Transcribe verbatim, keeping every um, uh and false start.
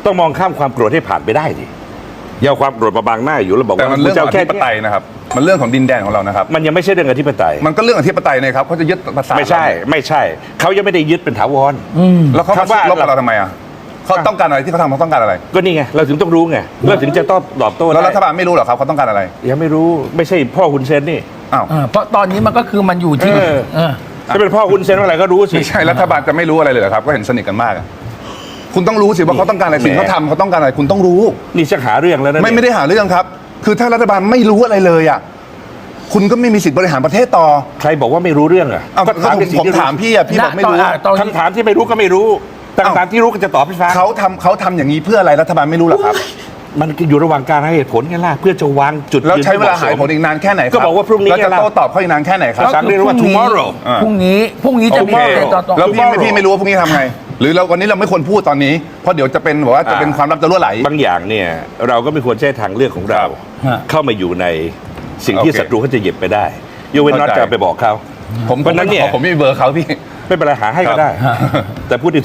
ต้องมองข้ามความโกรธให้ผ่านไปได้ดิอย่าเอาความโกรธมาบังหน้าอยู่แล้วบอกแต่ว่ามันเรื่องของอธิปไตยยนะครับมันเรื่องของดินแดนของเรานะครับมันยังไม่ใช่เรื่องอธิปไตยมันก็เรื่องอธิปไตยนะครับเขาจะยึดภาษาไม่ใช่ไม่ใช่เขายังไม่ได้ยึดเป็นถาวรแล้วเขาคำว่าลบกับเราทำไมอ่ะเขาต้องการอะไรที่เขาทำเขาต้องการอะไรก็นี่ไงเราถึงต้องรู้ไงเราถึงจะต้องตอบโต้แล้วได้รัฐบาลไม่รู้เหรอครับเขาต้องการอะไรยังไม่รู้ไม่ใช่พ่อคุณเซนนี่อ้าวเออเพราะตอนนี้มันก็คือมันอยู่ที่เออเออถ้าเป็นพ่อคุณเซนอะไรก็รู้สิไม่ใช่รัฐบาลจะไม่รู้อะไรเลยเหรอครับก็เห็นสนิทกันมากอะคุณต้องรู้สิว่าเขาต้องการอะไรสิ่งแหมเขาทำเขาต้องการอะไรคุณต้องรู้นี่ชักหาเรื่องแล้วนะไม่เนี่ยไม่ได้หาเรื่องครับ คือถ้ารัฐบาลไม่รู้อะไรเลยอ่ะคุณก็ไม่มีสิทธิ์บริหารประเทศต่อใครบอกว่าไม่รู้เรื่องอ่ะเอาก็ถามผมในสิ่งผมที่ถามพี่อ่ะพี่บอกไม่รู้ณตอนนี้คำถามที่ไม่รู้ก็ไม่รู้แต่เอ้าคำถามที่รู้ก็จะตอบให้ฟังเขาทำเขาทำอย่างนี้เพื่ออะไรรัฐบาลไม่รู้เหรอครับมันอยู่ระหว่างการให้เหตุผลไงล่ะเพื่อจะวางจุดแล้วยืนใช้เวลาที่หายมะสมผลอีกนานแค่ไหนครับก็บอกว่าพรุ่งนี้แล้วจะไงล่ะโต้ตอบเขาอีกนานแค่ไหนครับภาษาอังกฤษเรียกว่า tomorrow อ่าพรุ่งนี้พรุ่งนี้จะมีโอเคประเด็นต่อต่อแล้วพี่ tomorrow พี่ไม่รู้ว่าพรุ่งนี้ทำไง หรือเราวันนี้เราไม่ควรพูดตอนนี้เพราะเดี๋ยวจะเป็นแบบว่าจะเป็นความลับจะรั่วไหลบางอย่างเนี่ยเราก็ไม่ควรใช้ทางเลือกของเราฮะเข้ามาอยู่ในสิ่งที่โอเคศัตรูเขาจะหยิบไปได้ยกเว้นน็อตเข้าใจจะไปบอกเขาผมเพราะฉะนั้นเนี่ยผมไม่มีเบอร์เขาพี่ไม่เป็นไรหาให้ก็ได้ แต่พูดใน